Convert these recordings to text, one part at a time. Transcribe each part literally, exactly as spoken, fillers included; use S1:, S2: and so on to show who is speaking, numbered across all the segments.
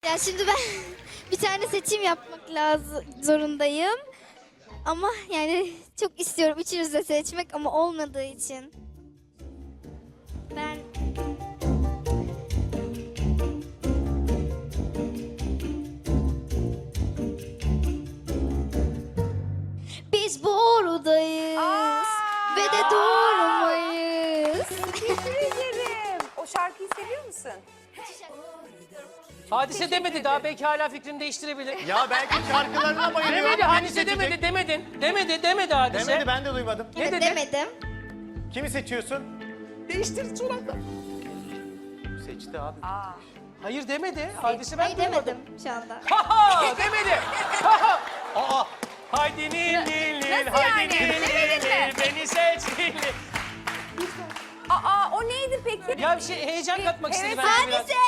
S1: Ya şimdi ben bir tane seçim yapmak lazım zorundayım. Ama yani çok istiyorum üçünüzü de seçmek ama olmadığı için. Ben Biz borudayız
S2: Aa!
S1: ve de doğrumayız.
S2: Teşekkür ederim. O şarkıyı seviyor musun?
S3: Hadise demedi daha, belki hala fikrini değiştirebilir.
S4: Ya belki şarkılarına bayılıyorum.
S3: Demedi,
S4: beni
S3: hadise
S4: seçecek.
S3: demedi, demedin. Demedi, demedi hadise.
S4: Demedi, ben de duymadım.
S3: Ne
S1: Evet,
S3: dedi?
S1: demedim.
S4: Kimi seçiyorsun?
S3: Değiştir suratla.
S4: Seçti abi.
S2: Aa.
S3: Hayır demedi, hadise ben
S1: Hayır
S3: duymadım.
S1: demedim şu anda.
S3: Ha demedi. Ha ha.
S4: Aa,
S3: Haydi nil nil nil,
S2: Nasıl yani?
S3: haydi nil
S2: Demedin
S3: nil
S2: mi?
S3: nil, beni seç nil nil.
S2: Aa, o neydi peki?
S3: Ya bir şey heyecan katmak istedi
S2: Evet,
S3: bence biraz.
S2: hadise!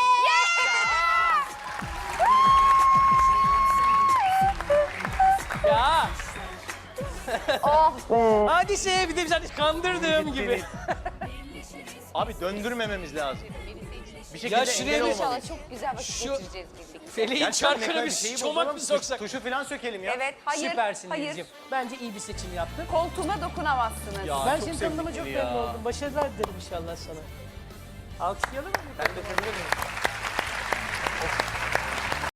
S3: Ya
S2: Oh
S3: hadise bir de biz hani kandırdığım gibi.
S4: abi döndürmememiz lazım. Bir şekilde
S3: Ya şuraya
S4: engel
S3: bir-
S4: olmalıyız.
S2: İnşallah çok güzel vakit
S3: Şu-
S2: geçireceğiz birlikte.
S3: Feleğin
S4: Gerçekten
S3: çarkına
S4: mekanik
S3: bir
S4: şeyi
S3: çomak
S4: bozalım,
S3: mı
S4: tuş-
S3: soksak?
S4: Tuşu falan sökelim ya.
S2: Evet, hayır,
S3: Süpersin
S2: hayır.
S3: Denizciğim. Bence iyi bir seçim yaptın.
S2: Koltuğuma dokunamazsınız.
S4: Ya,
S3: Ben
S4: çok
S3: seni tanıdığıma çok
S4: sevimli
S3: memnun
S4: ya.
S3: oldum. Başarılar dilerim inşallah sana. Alkışlayalım mı?
S4: Ben de seviyorum.